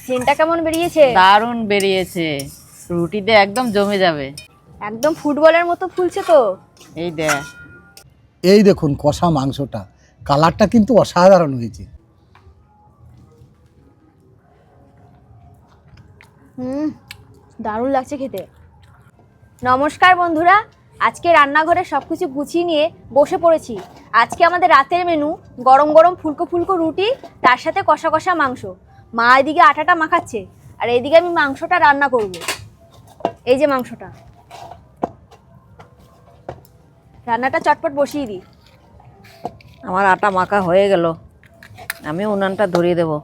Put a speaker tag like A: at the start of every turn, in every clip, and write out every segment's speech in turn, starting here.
A: সেন্টটা কেমন বেরিয়েছে?
B: দারুণ বেরিয়েছে, রুটিতে একদম জমে যাবে।
A: একদম ফুটবলের মতো ফুলছে তো।
B: এই দেখ।
C: এই দেখুন কষা মাংসটা, কালারটা কিন্তু অসাধারণ হয়েছে।
A: দারুণ লাগছে খেতে। নমস্কার বন্ধুরা, আজকে রান্নাঘরে সবকিছু গুছিয়ে নিয়ে বসে পড়েছি। আজকে আমাদের রাতের মেনু গরম গরম ফুলকো ফুলকো রুটি, তার সাথে কষা কষা মাংস। মা এদিকে আটাটা মাখাচ্ছে আর এইদিকে আমি মাংসটা রান্না করব। এই যে মাংসটা, রান্নাটা চটপট বসিয়ে দিই।
B: আমার আটা মাখা হয়ে গেল, আমি উনানটা ধরিয়ে দেব।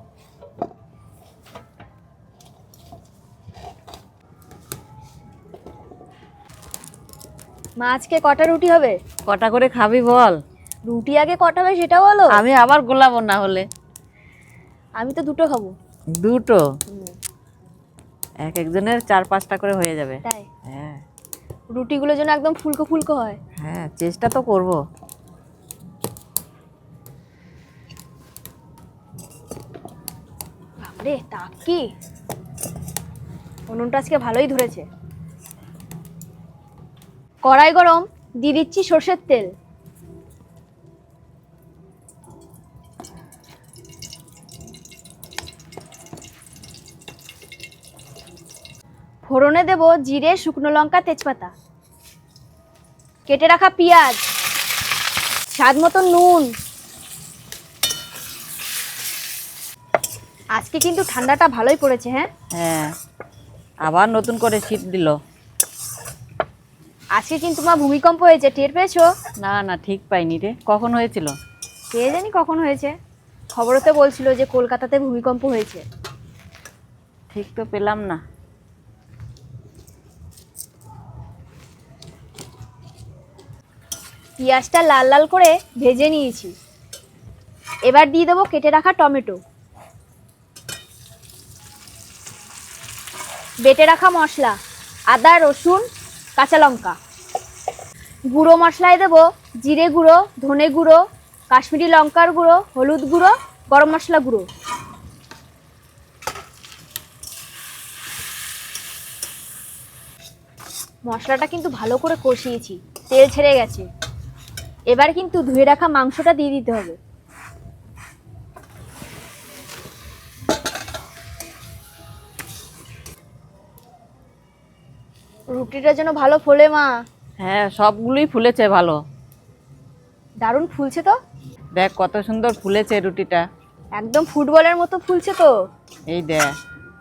A: মা আজকে কটা রুটি হবে?
B: কটা করে খাবি বল?
A: রুটি আগে কটা হবে সেটা বলো।
B: আমি আবার গোলাবো না হলে।
A: আমি তো দুটো খাবো।
B: দুটো? এক একজনের 4-5টা করে হয়ে যাবে।
A: তাই?
B: হ্যাঁ।
A: রুটিগুলো যেন একদম ফুলকো ফুলকো হয়।
B: হ্যাঁ, চেষ্টা তো করব।
A: বাপরে, তাক কি! উনুনটা আজকে ভালোই ধরেছে। কড়াই গরম, দিয়ে দিচ্ছি সর্ষের তেল। ফোড়নে দেব জিরে, শুকনো লঙ্কা, তেজপাতা, কেটে রাখা পেঁয়াজ, স্বাদ মতো নুন। আজকে কিন্তু ঠান্ডাটা ভালোই পড়েছে। হ্যাঁ
B: হ্যাঁ, আবার নতুন করে শীত দিল।
A: আজকে কিন্তু মা ভূমিকম্প হয়েছে, টের পেয়েছো?
B: না না, ঠিক পাইনি রে। কখন হয়েছিল?
A: কে জানি কখন হয়েছে, খবরতে বলছিল যে কলকাতাতে ভূমিকম্প হয়েছে।
B: ঠিক তো পেলাম না।
A: পেঁয়াজটা লাল লাল করে ভেজে নিয়েছি। এবার দিয়ে দেবো কেটে রাখা টমেটো, বেটে রাখা মশলা, আদা, রসুন, কাঁচা লঙ্কা। গুঁড়ো মশলায় দেবো জিরে গুঁড়ো, ধনে গুঁড়ো, কাশ্মীরি লঙ্কার গুঁড়ো, হলুদ গুঁড়ো, গরম মশলা গুঁড়ো। মশলাটা কিন্তু ভালো করে কষিয়েছি, তেল ছেড়ে গেছে। এবার কিন্তু ধুয়ে রাখা মাংসটা দিয়ে দিতে হবে। রুটিটা যেন ভালো ফোলে মা।
B: হ্যাঁ, সবগুলোই ফুলেছে ভালো।
A: দারুণ ফুলছে তো।
B: দেখ কত সুন্দর ফুলেছে রুটিটা।
A: একদম ফুটবলের মতো ফুলছে তো।
B: এই দেখ।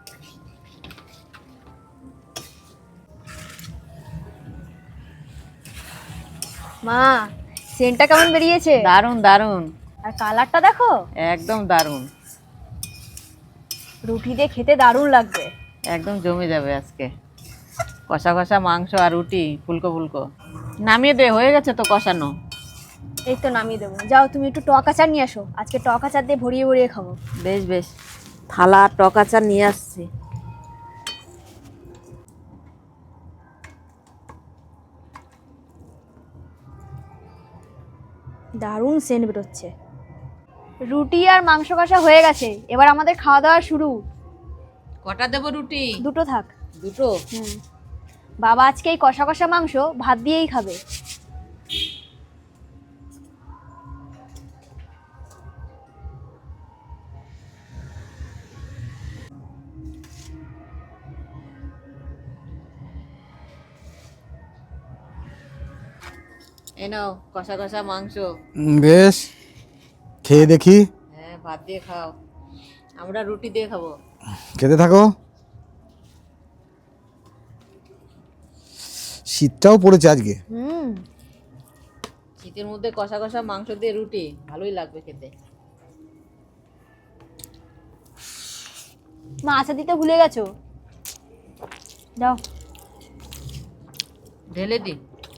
A: মা, সেন্টটা কেমন বেরিয়েছে?
B: দারুণ দারুণ।
A: আর কালারটা দেখো,
B: একদম দারুণ।
A: রুটি দিয়ে খেতে দারুণ লাগবে।
B: একদম জমে যাবে আজকে। কষা কষা মাংস আর রুটি ফুলকো ফুলকো। নামিয়ে দে, হয়ে গেছে তো কষানো।
A: এই তো নামিয়ে দেবো। যাও তুমি একটু টক আচার নিয়ে আসো, আজকে টক আচার দিয়ে ভরিয়ে ভরিয়ে খাবো।
B: বেশ বেশ, থালা আর টক আচার নিয়ে আসছি।
A: দারুণ সেন্ট বেরোচ্ছে। রুটি আর মাংস কষা হয়ে গেছে, এবার আমাদের খাওয়া দাওয়া শুরু।
B: কটা দেবো রুটি?
A: দুটো থাক।
B: দুটো?
A: বাবা আজকে এই কষা কষা মাংস ভাত দিয়েই খাবে।
B: এই নাও কষা কষা মাংস।
C: বেশ, খেয়ে দেখি।
B: হ্যাঁ, ভাত দিয়ে খাও, আমরা রুটি দিয়ে খাবো।
C: খেতে থাকো। শীতটাও পড়েছে আজকে।
B: শীতের মধ্যে কষা কষা মাংস দিয়ে রুটি ভালোই লাগবে খেতে।
A: মা আচার দিতে ভুলে গেছো, দাও।
B: ঢেলে দি।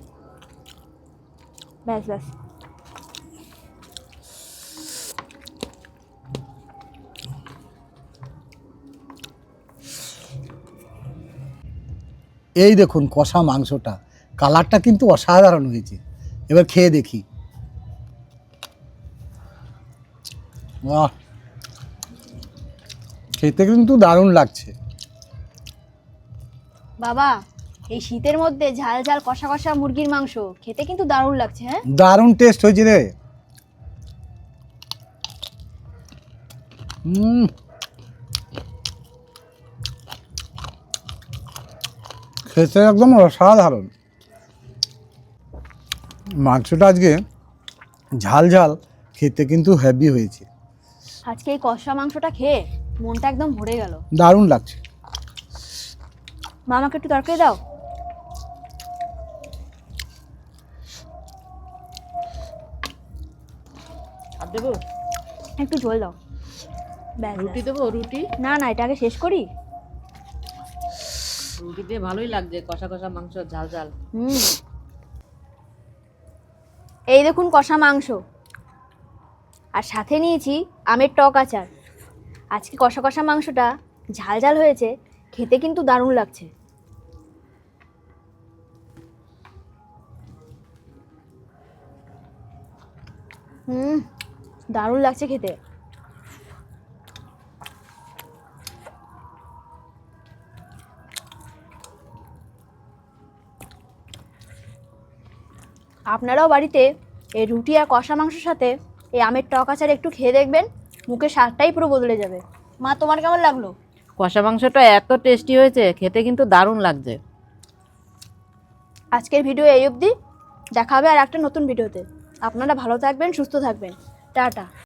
A: ব্যাস ব্যাস।
C: এই দেখুন কষা মাংসটা, কালারটা কিন্তু অসাধারণ হয়েছে। এবার খেয়ে দেখি। বাহ, খেতে কিন্তু দারুণ লাগছে।
A: বাবা, এই শীতের মধ্যে ঝাল ঝাল কষা কষা মুরগির মাংস খেতে কিন্তু দারুণ লাগছে। হ্যাঁ,
C: দারুণ টেস্ট হয়েছে রে। হুম, খেতে একদম অসাধারণ। মাংসটা আজকে ঝাল ঝাল, খেতে কিন্তু হেভি হয়েছে।
A: আজকে এই কষা মাংসটা খেয়ে মনটা একদম ভরে গেল।
C: দারুণ লাগছে।
A: মা, আমাকে একটু তরকারি দাও।
B: আর দেবো?
A: একটু ঝোল দাও। ব্যাস,
B: রুটি
A: ব্যাস।
B: দেবো? রুটি?
A: না না, এটা আগে শেষ করি।
B: রুটি দিয়ে ভালোই লাগছে, কষা কষা মাংস, ঝাল ঝাল।
A: হুম, এই দেখুন কষা মাংস, আর সাথে নিয়েছি আমের টক আচার। আজকে কষা কষা মাংসটা ঝাল ঝাল হয়েছে, খেতে কিন্তু দারুণ লাগছে। হুম, দারুণ লাগছে খেতে। আপনারাও বাড়িতে এই রুটি আর কষা মাংসের সাথে এই আমের টক আচার একটু খেয়ে দেখবেন, মুখের স্বাদটাই পুরো বদলে যাবে। মা, তোমার কেমন লাগলো?
B: কষা মাংসটা এত টেস্টি হয়েছে, খেতে কিন্তু দারুণ লাগছে।
A: আজকের ভিডিও এই অবধি, দেখা হবে আর একটা নতুন ভিডিওতে। আপনারা ভালো থাকবেন, সুস্থ থাকবেন। টাটা।